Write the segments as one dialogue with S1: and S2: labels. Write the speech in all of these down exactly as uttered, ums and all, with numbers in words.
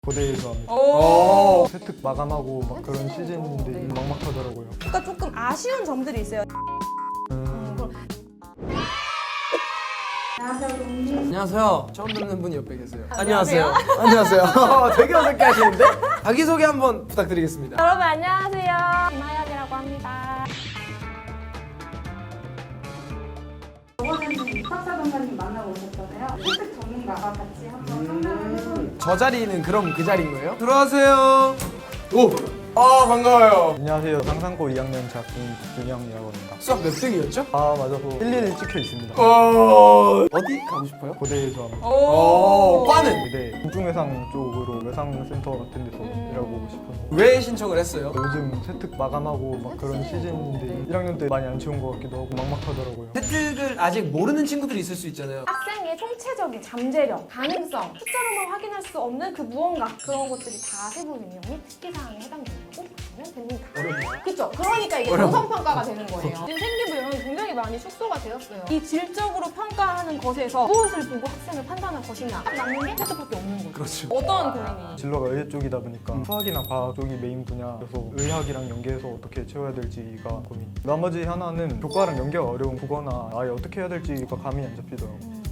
S1: 고대에서 합니다.
S2: 오.
S1: 세특 마감하고 막 그런 시즌인데
S2: 네.
S1: 막막하더라고요.
S3: 그러니까 조금 아쉬운 점들이 있어요.
S1: 음,
S2: 안녕하세요. 처음 뵙는 분이 옆에 계세요.
S3: 안녕하세요.
S2: 안녕하세요. 되게 어색해 하시는데? 자기소개 한번 부탁드리겠습니다.
S3: 여러분 안녕하세요. 김하연이라고 합니다.
S4: 저번에는 입학사 전사님 만나고 오셨잖아요. 세특 전문가가 같이 한번 상담을 해보는
S2: 저 자리는 그럼 그 자리인 거예요? 들어가세요. 오! 아 반가워요.
S1: 안녕하세요. 상상고 이 학년 재학생 김준영이라고 합니다.
S2: 수학 몇 등이었죠?
S1: 아 맞아서 일일이 찍혀 있습니다.
S2: 어... 어디 가고 싶어요?
S1: 고대에서 합니다.
S2: 오, 과는?
S1: 고대 공중외상 쪽으로 외상센터 같은 데서 일하고 싶어서
S2: 왜 신청을 했어요?
S1: 요즘 세특 마감하고 막 그런 시즌인데 일 학년 때 많이 안 채운 것 같기도 하고 막막하더라고요.
S2: 세특을 아직 모르는 친구들이 있을 수 있잖아요.
S3: 학생의 총체적인 잠재력, 가능성, 숫자로만 확인할 수 없는 그 무언가 그런 것들이 다 세부 능력이 특기사항에 해당된다고 보시면 됩니다.
S2: 어렵나요?
S3: 그렇죠. 그러니까 이게
S2: 어려워.
S3: 정성평가가 되는 거예요. 지금 생기부 이런 굉장히 많이 축소가 되었어요. 이 질적으로 평가하는 것에서 무엇을 보고 학생을 판단할 것이냐 딱 남는 게 세특밖에 없는 거죠.
S2: 그렇죠.
S3: 어떤 고민이?
S1: 진로가 의대 쪽이다 보니까 수학이나 과학 쪽이 메인 분야여서 의학이랑 연계해서 어떻게 채워야 될지가 고민. 나머지 하나는 교과랑 연계가 어려운 국어나 아예 어떻게 해야 될지가 감이 안 잡히더라고요.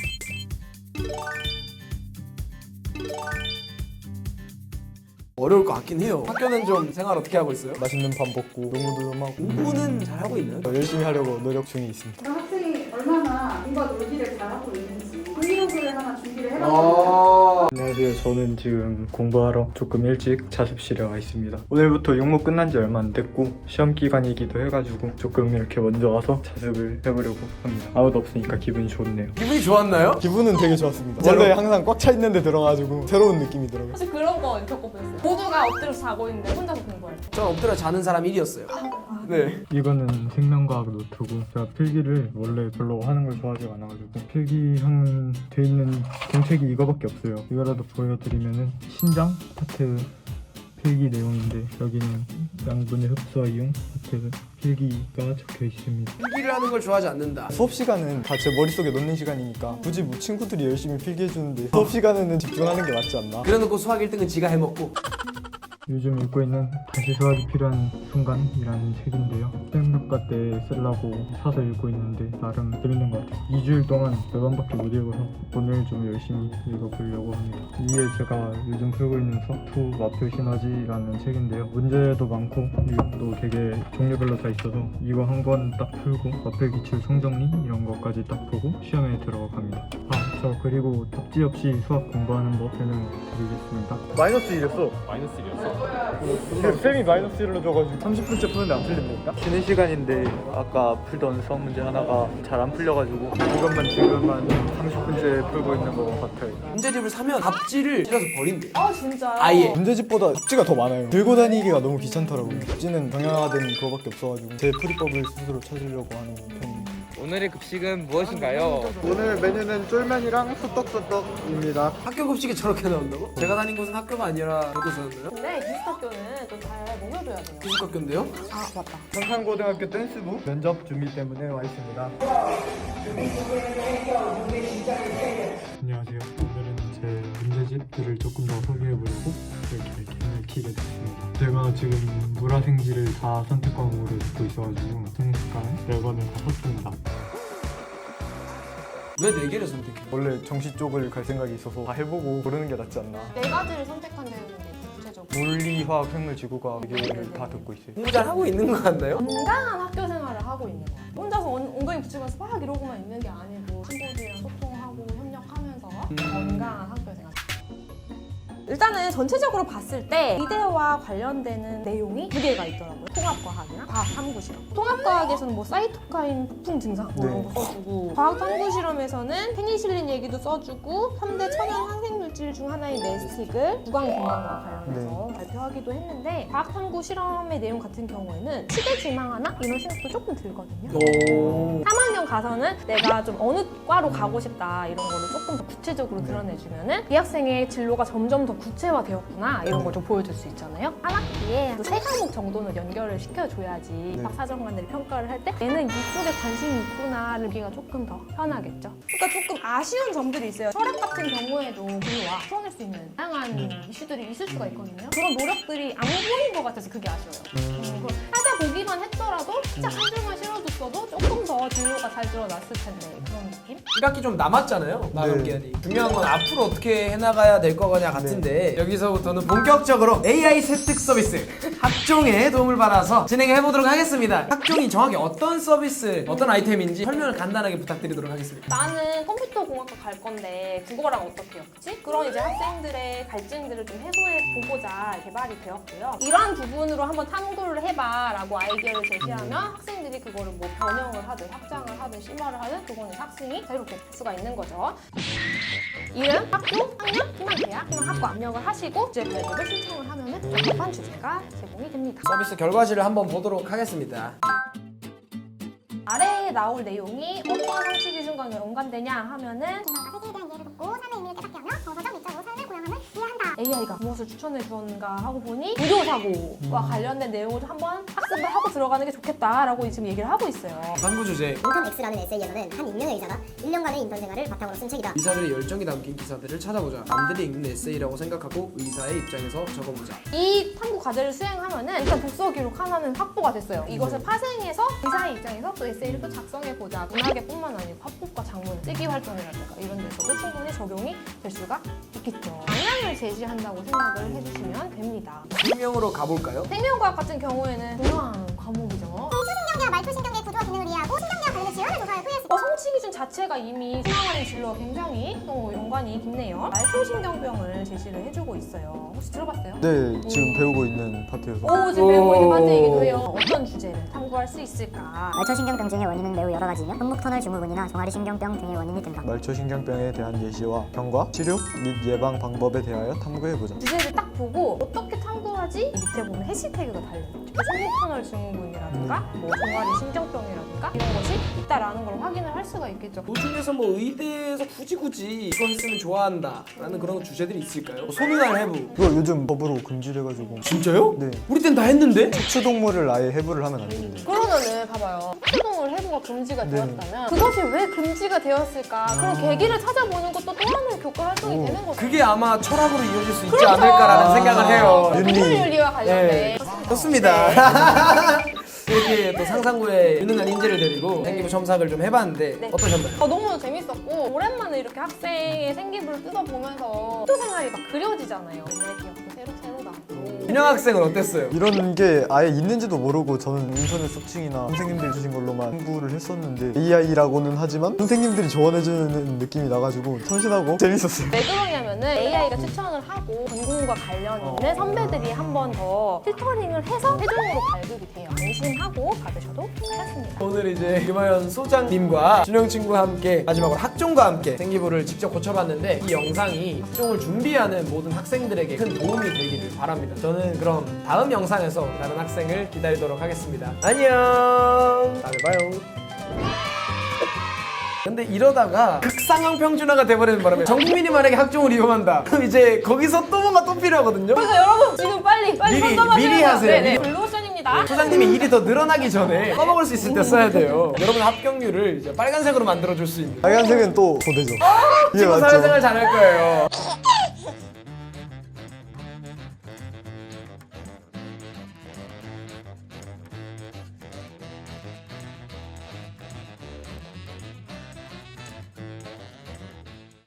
S2: 어려울 것 같긴 해요. 학교는 좀 생활 어떻게 하고 있어요?
S1: 맛있는 밥 먹고 농구도 좀 하고
S2: 공부는 잘 하고 있나요?
S1: 열심히 하려고 노력 중에 있습니다.
S4: 그런 학생이 얼마나 공부와 놀기를 잘하고 있는지 브이로그를 하나 준비를 해봤습니다.
S2: 아
S1: 안녕하세요. 저는 지금 공부하러 조금 일찍 자습실에 와 있습니다. 오늘부터 육모 끝난 지 얼마 안 됐고 시험 기간이기도 해가지고 조금 이렇게 먼저 와서 자습을 해보려고 합니다. 아무도 없으니까 기분이 좋네요.
S2: 기분이 좋았나요?
S1: 기분은 되게 좋았습니다. 원래 항상 꽉 차 있는 데 들어가지고 새로운 느낌이더라고요.
S3: 사실 그런 거 겪어보셨어요? 모두가 엎드려서 자고 있는데 혼자서 공부할 때.
S2: 전 엎드려 자는 사람 일이었어요. 네.
S1: 이거는 생명과학 노트고 제가 필기를 원래 별로 하는 걸 좋아하지 않아가지고 필기형 돼 있는 공책이 이거밖에 없어요. 이거라도 보여드리면은 신장 파트 필기 내용인데 여기는 양분의 흡수와 이용 파트 필기가 적혀 있습니다.
S2: 필기를 하는 걸 좋아하지 않는다.
S1: 수업 시간은 다 제 머릿속에 넣는 시간이니까 굳이 뭐 친구들이 열심히 필기해주는데 수업 시간에는 집중하는 게 맞지 않나?
S2: 그래놓고 수학 일 등은 지가 해먹고.
S1: 요즘 읽고 있는 다시 수학이 필요한 순간이라는 책인데요. 수행평가 때 쓰려고 사서 읽고 있는데 나름 재밌는 것 같아요. 이 주일 동안 몇 번밖에 못 읽어서 오늘 좀 열심히 읽어보려고 합니다. 이게 제가 요즘 풀고 있는 서투 마표 시너지라는 책인데요. 문제도 많고 또 되게 종류별로 다 있어서 이거 한 권 딱 풀고 마표 기출 성정리 이런 것까지 딱 보고 시험에 들어갑니다. 아, 저 그리고 답지 없이 수학 공부하는 법 설명드리겠습니다. 마이너스 일이었어. 마이너스 일이었어? 쌤이 마이너스 일로 줘가지고 삼십 분째 푸는데 안 풀린다니까? 쉬는 시간인데 아까 풀던 수학 문제 하나가 잘 안 풀려가지고 이것만 지금 한 삼십 분째 풀고 있는 것 같아요.
S2: 문제집을 사면 답지를 찔러서 버린대.
S3: 아 진짜요?
S2: 아예.
S1: 문제집보다 답지가 더 많아요. 들고 다니기가 너무 귀찮더라고요. 답지는 정형화된 그거밖에 없어가지고 제 풀이법을 스스로 찾으려고 하는 편입니다.
S5: 오늘의 급식은 무엇인가요?
S1: 오늘 메뉴는 쫄면이랑 소떡소떡입니다.
S2: 학교 급식이 저렇게 나온다고? 제가 다닌 곳은 학교가 아니라 교도소였나요?
S3: 근데 기숙학교는 또 잘 먹여줘야 돼요.
S2: 기숙학교인데요?
S3: 아 맞다.
S1: 성산고등학교 댄스부 면접 준비 때문에 와 있습니다. 안녕하세요. 오늘은 제 문제집들을 조금 더 소개해보려고 이렇게 캠을 켜게 됐습니다. 제가 지금 물화생지를 다 선택 과목으로 듣고 있어가지고 성습관 네 권을 다 샀습니다.
S2: 왜 네 개를 선택해?
S1: 원래 정시 쪽을 갈 생각이 있어서 다 해보고 고르는 게 낫지 않나.
S3: 네 가지를 선택한다는데 구체적으로.
S1: 물리, 화학, 생물, 지구과학 네 개를 다 듣고 있어요.
S2: 공부 잘 하고 있는 것 같나요?
S3: 건강한 학교 생활을 하고 있는 거야. 혼자서 엉- 엉덩이 붙이면서 막 이러고만 있는 게 아니고 친구들이랑 소통하고 협력하면서 건강한 학교 생활. 일단은 전체적으로 봤을 때 이대와 관련되는 내용이 두 개가 있더라고요. 통합과학이랑 과학탐구실험. 통합과학에서는 뭐 사이토카인 폭풍 증상 뭐 이런 거 써주고 과학탐구실험에서는 페니실린 얘기도 써주고 삼 대 천연 항생물질 중 하나인 메스틱을 구강 건강과 관련해서 발표하기도 했는데 과학탐구실험의 내용 같은 경우에는 시대지망하나 이런 생각도 조금 들거든요.
S2: 오.
S3: 삼 학년 가서는 내가 좀 어느 과로 가고 싶다 이런 거를 조금 더 구체적으로 드러내주면은 이 학생의 진로가 점점 더 구체화되었구나 이런 걸 좀 보여줄 수 있잖아요. 한 학기에 세 과목 정도는 연결을 시켜줘야지 박사정관들이 평가를 할 때 얘는 이쪽에 관심이 있구나를 보기가 조금 더 편하겠죠. 그러니까 조금 아쉬운 점들이 있어요. 철학 같은 경우에도 별로 진로와 풀어낼 수 있는 다양한 이슈들이 있을 수가 있거든요. 그런 노력들이 안 보인 것 같아서 그게 아쉬워요. 음, 그걸 찾아보기만 했더라도 진짜 한 줄만 실어줬어도 조금 더 진로가 잘 드러났을 텐데 그런 느낌?
S2: 일 학기 좀 남았잖아요. 마감
S6: 네.
S2: 기한이. 중요한 건 앞으로 어떻게 해나가야 될 거냐 같은데 여기서부터는 본격적으로 에이아이 세특 서비스 학종에 도움을 받아서 진행해 보도록 하겠습니다. 학종이 정확히 어떤 서비스, 어떤 아이템인지 설명을 간단하게 부탁드리도록 하겠습니다.
S3: 나는 컴퓨터 공학과 갈 건데 국어랑 어떻게 엮지? 그런 이제 학생들의 갈증들을 좀 해소해 보고자 개발이 되었고요. 이러한 부분으로 한번 탐구를 해봐라고 아이디어를 제시하면 학생들이 그거를 뭐 변형을 하든 확장을 하든 심화를 하든 그거는 학생이 자유롭게 할 수가 있는 거죠. 이름, 학교, 학년, 희망 대학, 희망 학과 입력을 하시고 주제 발급을 신청을 하면은 적합한 주제가 제공이 됩니다.
S2: 서비스 결과지를 한번 보도록 하겠습니다.
S3: 아래에 나올 내용이 어떤 상식 기준과 연관되냐 하면은
S7: 세계에 대한 이해를 돕고 삶의 의미를 깨닫게 하며 정서적 미적으로 삶을 고양함을 이해한다.
S3: 에이아이가 무엇을 추천해 주었는가 하고 보니 의료사고와 관련된 내용을 한번 학습을 하고 들어가는 게 좋겠다라고 지금 얘기를 하고 있어요.
S2: 탐구 주제.
S7: 인턴 X라는 에세이에서는 한 익명의 의사가 일 년간의 인턴 생활을 바탕으로 쓴 책이다.
S2: 의사들의 열정이 담긴 기사들을 찾아보자. 남들이 읽는 에세이라고 생각하고 의사의 입장에서 적어보자.
S3: 이 탐구 과제를 수행하면은 일단 독서 기록 하나는 확보가 됐어요. 이것을 파생해서 의사의 입장에서 또 에세이를 또 작성해 보자. 문학에뿐만 아니고 화법과 장문, 쓰기 활동이라든가 이런 데서도 충분히 적용이 될 수가 있겠죠. 방향을 제시한다고 생각을 해주시면 됩니다.
S2: 실명으로 가볼까요?
S3: 생명과학 같은 경우에는 중요한 과목이죠.
S7: 초신경계와 말초신경계 구조와 기능을 이해하고 신경계와 관련된 질환을 조사하여 토의할 수 있다.
S3: 어, 성취 기준 자체가 이미 수강하는 진로와 굉장히 또 연관이 깊네요. 말초신경병을 제시를 해주고 있어요. 혹시 들어봤어요?
S6: 네, 지금 배우고 있는 파트여서.
S3: 오, 지금 배우고 있는 파트이기도 해요. 어떤 주제를 탐구할 수 있을까?
S7: 말초신경병 등의 원인은 매우 여러 가지이며 현목터널 증후군이나 종아리신경병 등의 원인이 된다.
S6: 말초신경병에 대한 예시와 병과 치료 및 예방 방법에 대하여 탐구해보자.
S3: 주제를 딱 보고 어떻게 탐구하지? 밑에 보면 해시태그가 달려있죠. 손목터널 증후군이라든가 뭐 종아리 신경병이라든가 이런 것이 있다라는 걸 확인을 할 수가 있겠죠.
S2: 도중에서 뭐 의대에서 굳이 굳이 이거 했으면 좋아한다 라는 그런 주제들이 있을까요? 소민할 해부.
S6: 이거 요즘 법으로 금지돼가지고.
S2: 진짜요?
S6: 네.
S2: 우리 땐 다 했는데?
S6: 척추동물을 아예 해부를 하면 안 된대.
S3: 그러면은 봐봐요. 척추동물 해부가 금지가
S6: 네.
S3: 되었다면 그것이 왜 금지가 되었을까? 그런 계기를 찾아보는 것도 또 하나의 교과 활동이
S6: 오.
S3: 되는 거죠.
S2: 그게 아마 철학으로 이어질 수 있지
S3: 그렇죠.
S2: 않을까라는
S6: 아.
S2: 생각을 해요.
S6: 윤리.
S3: 동물 윤리와 관련된
S2: 네. 좋습니다. 이렇게 또 상상구에 유능한 인재를 데리고 생기부 첨삭을 좀 해봤는데
S3: 네.
S2: 어떠셨나요?
S3: 어, 너무 재밌었고 오랜만에 이렇게 학생의 생기부를 뜯어보면서 학교 생활이 막 그려지잖아요. 옛날 기억도 새록새록 나고.
S2: 윤영 학생은 어땠어요?
S6: 이런 게 아예 있는지도 모르고 저는 인터넷 서칭이나 선생님들이 주신 걸로만 공부를 했었는데 에이아이라고는 하지만 선생님들이 조언해주는 느낌이 나가지고 참신하고 재밌었어요.
S3: 왜 그러냐면은 에이아이가 추천을 하고 전공과 관련 있는 선배들이 한 번 더 필터링을 해서 최종으로 발급이 돼요. 안심하고 받으셔도 괜찮습니다.
S2: 오늘 이제 김하연 소장님과 준영 친구와 함께 마지막으로 학종과 함께 생기부를 직접 고쳐봤는데 이 영상이 학종을 준비하는 모든 학생들에게 큰 도움이 되기를 바랍니다. 저는 그럼 다음 영상에서 다른 학생을 기다리도록 하겠습니다. 안녕. 다음에 봐요. 근데 이러다가 극상황 평준화가 돼버리는 바람에 전 국민이 만약에 학종을 이용한다. 그럼 이제 거기서 또 뭔가 또 필요하거든요.
S3: 그래서 여러분 지금 빨리 빨리
S2: 미리,
S3: 선점하셔야
S2: 미리
S3: 돼요.
S2: 하세요.
S3: 네네.
S2: 미리.
S3: 블루오션입니다.
S2: 소장님이 일이 더 늘어나기 전에 써먹을 수 있을 때 써야 돼요. 여러분 합격률을 이제 빨간색으로 만들어줄 수 있는
S6: 빨간색은 또 고대죠. 이게
S2: 친구
S6: 맞죠?
S2: 사회생활 잘할 거예요.